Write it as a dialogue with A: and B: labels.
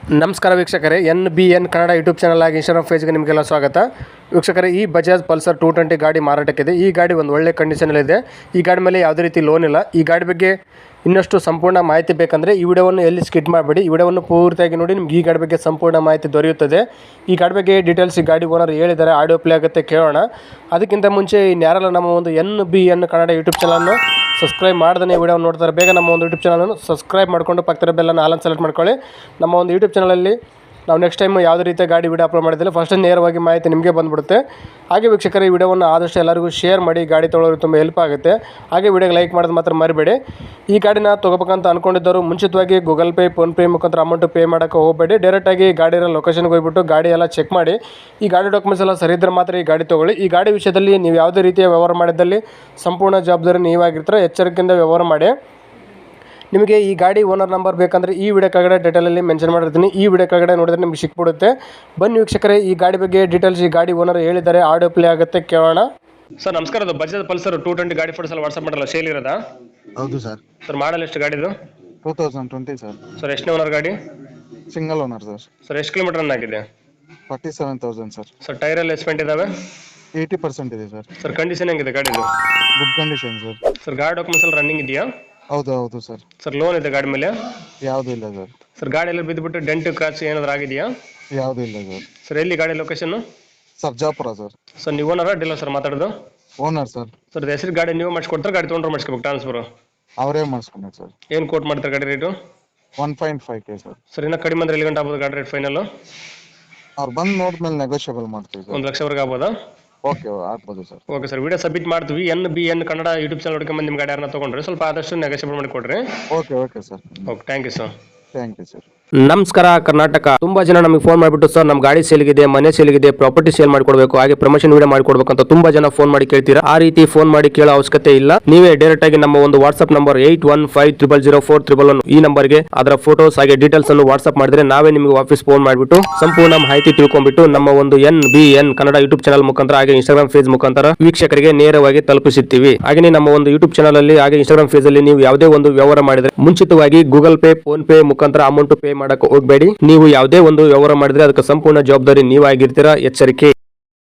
A: ನಮಸ್ಕಾರ ವೀಕ್ಷಕರೇ, NBN Kannada YouTube channel ಆಗಿ ಇನ್ಸ್ಟಾಗ್ರಾಮ್ ಪೇಜ್ಗೆ ನಿಮಗೆಲ್ಲ ಸ್ವಾಗತ. ವೀಕ್ಷಕರೇ, ಈ ಬಜಾಜ್ ಪಲ್ಸರ್ 220 ಗಾಡಿ ಮಾರಾಟಕ್ಕಿದೆ. ಈ ಗಾಡಿ ಒಂದು ಒಳ್ಳೆ ಕಂಡೀಷನಲ್ಲಿದೆ. ಈ ಗಾಡಿ ಮೇಲೆ ಯಾವುದೇ ರೀತಿ ಲೋನ್ ಇಲ್ಲ. ಈ ಗಾಡಿ ಬಗ್ಗೆ ಇನ್ನಷ್ಟು ಸಂಪೂರ್ಣ ಮಾಹಿತಿ ಬೇಕಂದರೆ ಈ ವಿಡಿಯೋವನ್ನು ಎಲ್ಲಿ ಸ್ಕಿಪ್ ಮಾಡಬೇಡಿ, ಈ ವಿಡಿಯೋವನ್ನು ಪೂರ್ತಿಯಾಗಿ ನೋಡಿ. ನಿಮ್ಗೆ ಈ ಗಾಡಿ ಬಗ್ಗೆ ಸಂಪೂರ್ಣ ಮಾಹಿತಿ ದೊರೆಯುತ್ತದೆ. ಈ ಗಾಡಿ ಬಗ್ಗೆ ಡೀಟೇಲ್ಸ್ ಈ ಗಾಡಿ ಓನರ್ ಹೇಳಿದ್ದಾರೆ, ಆಡಿಯೋ ಪ್ಲೇ ಆಗುತ್ತೆ, ಕೇಳೋಣ. ಅದಕ್ಕಿಂತ ಮುಂಚೆ ಇನ್ಯಾರಲ್ಲ ನಮ್ಮ ಒಂದು NBN ಕನ್ನಡ ಯೂಟ್ಯೂಬ್ ಚಾನಲನ್ನು ಸಬ್ಸ್ಕ್ರೈಬ್ ಮಾಡ್ದೇ ವಿಡಿಯೋ ನೋಡ್ತಾರೆ, ಬೇಗ ನಮ್ಮ ಒಂದು ಯೂಟ್ಯೂಬ್ ಚಾನಲನ್ನು ಸಬ್ಸ್ಕ್ರೈಬ್ ಮಾಡಿಕೊಂಡು ಪಕ್ಕದ ಬೆಲ್ಲನ್ನು ಆಲ್ ಸೆಲೆಕ್ಟ್ ಮಾಡ್ಕೊಳ್ಳಿ. ನಮ್ಮ ಒಂದು ಯೂಟ್ಯೂಬ್ ಚಾನಲಲ್ಲಿ ನಾವು ನೆಕ್ಸ್ಟ್ ಟೈಮ್ ಯಾವುದೇ ರೀತಿಯ ಗಾಡಿ ವಿಡಿಯೋ ಅಪ್ಲೋಡ್ ಮಾಡಿದ್ದಿಲ್ಲ, ಫಸ್ಟ್ ನೇರವಾಗಿ ಮಾಹಿತಿ ನಿಮಗೆ ಬಂದುಬಿಡುತ್ತೆ. ಹಾಗೆ ವೀಕ್ಷಕರ, ಈ ವಿಡಿಯೋವನ್ನು ಆದಷ್ಟು ಎಲ್ಲರಿಗೂ ಶೇರ್ ಮಾಡಿ, ಗಾಡಿ ತೊಗೊಳ್ಳೋರು ತುಂಬ ಹೆಲ್ಪ್ ಆಗುತ್ತೆ. ಹಾಗೆ ವಿಡಿಯೋಗೆ ಲೈಕ್ ಮಾಡೋದು ಮಾತ್ರ ಮರಿಬೇಡಿ. ಈ ಗಾಡಿನ ತೊಗೋಬೇಕಂತ ಅಂದ್ಕೊಂಡಿದ್ದವರು ಮುಂಚಿತವಾಗಿ ಗೂಗಲ್ ಪೇ, ಫೋನ್ಪೇ ಮುಖಾಂತರ ಅಮೌಂಟು ಪೇ ಮಾಡೋಕ್ಕೆ ಹೋಗಬೇಡಿ. ಡೈರೆಕ್ಟಾಗಿ ಗಾಡಿಯ ಲೊಕೇಶನ್ಗೆ ಹೋಗ್ಬಿಟ್ಟು ಗಾಡಿ ಎಲ್ಲ ಚೆಕ್ ಮಾಡಿ, ಈ ಗಾಡಿ ಡಾಕ್ಯುಮೆಂಟ್ಸ್ ಎಲ್ಲ ಸರಿ ಇದ್ದರೆ ಮಾತ್ರ ಈ ಗಾಡಿ ತೊಗೊಳ್ಳಿ. ಈ ಗಾಡಿ ವಿಷಯದಲ್ಲಿ ನೀವು ಯಾವುದೇ ರೀತಿಯ ವ್ಯವಹಾರ ಮಾಡಿದ್ದಲ್ಲಿ ಸಂಪೂರ್ಣ ಜವಾಬ್ದಾರಿ ನೀವಾಗಿರ್ತಾರೆ. ಎಚ್ಚರಿಕೆಯಿಂದ ವ್ಯವಹಾರ ಮಾಡಿ. ನಿಮಗೆ ಈ ಗಾಡಿ ಓನರ್ ನಂಬರ್ ಬೇಕಂದರೆ ಈ ವಿಡಿಯೋ ಕೆಳಗಡೆ ಡೀಟೇಲಲ್ಲಿ ಮೆನ್ಷನ್ ಮಾಡಿರ್ತೀನಿ. ಈ ವಿಡಿಯೋ ಕೆಳಗಡೆ ನೋಡಿದ್ರೆ ನಿಮಗೆ ಸಿಕ್ಬಿಡುತ್ತೆ. ಬನ್ನಿ ವೀಕ್ಷಕರೇ, ಈ ಗಾಡಿ ಬಗ್ಗೆ ಡೀಟೇಲ್ಸ್ ಈ ಗಾಡಿ ಓನರ್ ಹೇಳಿದ್ದಾರೆ, ಆಡಿಯೋ ಪ್ಲೇ ಆಗುತ್ತೆ, ಕೇಳೋಣ. ಸರ್ ನಮಸ್ಕಾರ, ಅದು ಬಜಾಜ್ ಪಲ್ಸರ್ 220 ಗಾಡಿ ಫೋಟೋಸ್ ಎಲ್ಲ ವಾಟ್ಸಪ್ ಮಾಡಲ್ಲ, ಸೇಲ್ ಇರೋದಾ?
B: ಹೌದು ಸರ್.
A: ಸರ್ ಮಾಡಲ್ ಎಷ್ಟು ಗಾಡಿದು?
B: 2020 ಸರ್.
A: ಸರ್ ಎಷ್ಟನೇ ಓನರ್ ಗಾಡಿ?
B: Single owner sir.
A: ಸರ್ ಎಷ್ಟು ಕಿಲೋಮೀಟರ್ ರನ್ ಆಗಿದೆ?
B: 47,000 ಸರ್.
A: ಸರ್ ಟೈರ್ ಎಲ್ಲ ಎಸ್ಪೆಂಟ್ ಇದಾವೆ?
B: 80% ಇದೆ ಸರ್.
A: ಸರ್ ಕಂಡೀಷನ್ ಹೆಂಗಿದೆ ಗಾಡಿದು?
B: Good condition sir.
A: ಸರ್ ಗಾಡಿ ಡಾಕ್ಯುಮೆಂಟ್ಸ್ ಎಲ್ಲ ರನ್ನಿಂಗ್ ಇದೆಯಾ?
B: ಹೌದು ಸರ್.
A: ಸರ್ ಲೋನ್ ಇದೆ ಗಾಡಿ ಮೇಲೆ?
B: ಯಾವುದೂ ಇಲ್ಲ ಸರ್.
A: ಸರ್ ಗಾಡಿ ಎಲ್ಲ ಬಿದ್ದುಬಿಟ್ಟು ಡೆಂಟ್ ಕ್ರಾಚ್ ಏನಾದ್ರು ಆಗಿದೆಯಾ?
B: ಯಾವುದೂ ಇಲ್ಲ ಸರ್.
A: ಸರ್ ಎಲ್ಲಿ ಗಾಡಿ ಲೊಕೇಶನ್?
B: ಸರ್ಜಾಪುರ ಸರ್.
A: ಸರ್ ನೀವು ಓನರ ಡೀಲರ್ ಸರ್ ಮಾತಾಡೋದು?
B: Owner sir.
A: ಸರ್ ಹೆಸರು ಗಾಡಿ ನೀವು ಮಾಡಿಸ್ಕೊಡ್ತಾರೆ, ಗಾಡಿ ತೊಗೊಂಡ್ರೆ ಮಾಡಿಸ್ಕೋಬೇಕು ಟ್ರಾನ್ಸ್ಫರ್?
B: ಅವರೇ ಮಾಡಿಸ್ಕೊಂಡೆ ಸರ್.
A: ಏನು ಕೋಟ್ ಮಾಡ್ತಾರೆ ಗಾಡಿ ರೇಟು?
B: 1.5K sir.
A: ಸರ್ ಇನ್ನೂ ಕಡಿಮೆ ಅಂದ್ರೆ ಎಲ್ಲಿ ಗಂಟೆ ಆಗ್ಬೋದು ಗಾಡಿ ರೇಟ್ ಫೈನಲ್?
B: ಅವ್ರು ಬಂದು ನೋಡಿದ್ಮೇಲೆ ನೆಗೋಷಿಯಬಲ್ ಮಾಡ್ತೀವಿ ಸರ್.
A: 1 ಲಕ್ಷವರೆಗೆ ಆಗ್ಬೋದಾ?
B: ಓಕೆ, ಆಗ್ಬೋದು sir.
A: Okay sir, video submit ಮಾಡ್ತೀವಿ. NBN ಕನ್ನಡ ಯೂಟ್ಯೂಬ್ ಚಾನಲ್ ಹುಡುಕೊಂಬಂದು ನಿಮ್ಮ ಗಾಡಿ ಯಾರನ್ನ ತೊಗೊಂಡ್ರೆ ಸ್ವಲ್ಪ ಆದಷ್ಟು ನೆಗೋಷಿಯಬಲ್ ಮಾಡಿ ಕೊಡ್ರಿ.
B: Okay sir.
A: Okay, thank you sir.
B: Thank you sir.
A: ನಮಸ್ಕಾರ ಕರ್ನಾಟಕ. ತುಂಬಾ ಜನ ನಮಗೆ ಫೋನ್ ಮಾಡಿಬಿಟ್ಟು ಸರ್ ನಮ್ಮ ಗಾಡಿ ಸೇಲ್ಗಿದೆ, ಮನೆ ಸೇಲ್ಗಿದೆ, ಪ್ರಾಪರ್ಟಿ ಸೇಲ್ ಮಾಡಿಕೊಡ್ಬೇಕು, ಹಾಗೆ ಪ್ರಮೋಷನ್ ವಿಡಿಯೋ ಮಾಡಿಕೊಡ್ಬೇಕು ಅಂತ ತುಂಬಾ ಜನ ಫೋನ್ ಮಾಡಿ ಕೇಳ್ತೀರಾ. ಆ ರೀತಿ ಫೋನ್ ಮಾಡಿ ಕೇಳೋ ಅವಶ್ಯಕತೆ ಇಲ್ಲ. ನೀವೇ ಡೈರೆಕ್ಟ್ ಆಗಿ ನಮ್ಮ ಒಂದು ವಾಟ್ಸ್ಆಪ್ ನಂಬರ್ 81500411 ಈ ನಂಬರ್ಗೆ ಅದರ ಫೋಟೋಸ್ ಹಾಗೆ ಡೀಟೇಲ್ಸ್ ಅನ್ನು ವಾಟ್ಸ್ಆಪ್ ಮಾಡಿದ್ರೆ ನಾವೇ ನಿಮಗೆ ವಾಪಸ್ ಫೋನ್ ಮಾಡಿಬಿಟ್ಟು ಸಂಪೂರ್ಣ ಮಾಹಿತಿ ತಿಳ್ಕೊಂಡ್ಬಿಟ್ಟು ನಮ್ಮ ಒಂದು NBN ಕನ್ನಡ ಯೂಟ್ಯೂಬ್ ಚಾನಲ್ ಮುಖಾಂತರ ಹಾಗೆ ಇನ್ಸ್ಟಾಗ್ರಾಮ್ ಪೇಜ್ ಮುಖಾಂತರ ವೀಕ್ಷಕರಿಗೆ ನೇರವಾಗಿ ತಲುಪಿಸುತ್ತೀವಿ. ಹಾಗೆ ನಮ್ಮ ಒಂದು ಯೂಟ್ಯೂಬ್ ಚಾನಲ್ ಅಲ್ಲಿ ಹಾಗೆ ಇನ್ಸ್ಟಾಗ್ರಾಮ್ ಪೇಜ್ ಅಲ್ಲಿ ನೀವು ಯಾವುದೇ ಒಂದು ವ್ಯವಹಾರ ಮಾಡಿದ್ರೆ ಮುಂಚಿತವಾಗಿ ಗೂಗಲ್ ಪೇ, ಫೋನ್ ಪೇ ಮುಖಾಂತರ ಅಮೌಂಟ್ ಪೇ ಮಾಡಕ್ಕೆ ಹೋಗಬೇಡಿ. ನೀವು ಯಾವುದೇ ಒಂದು ವ್ಯವಹಾರ ಮಾಡಿದ್ರೆ ಅದಕ್ಕೆ ಸಂಪೂರ್ಣ ಜವಾಬ್ದಾರಿ ನೀವಾಗಿರ್ತೀರಾ. ಎಚ್ಚರಿಕೆ.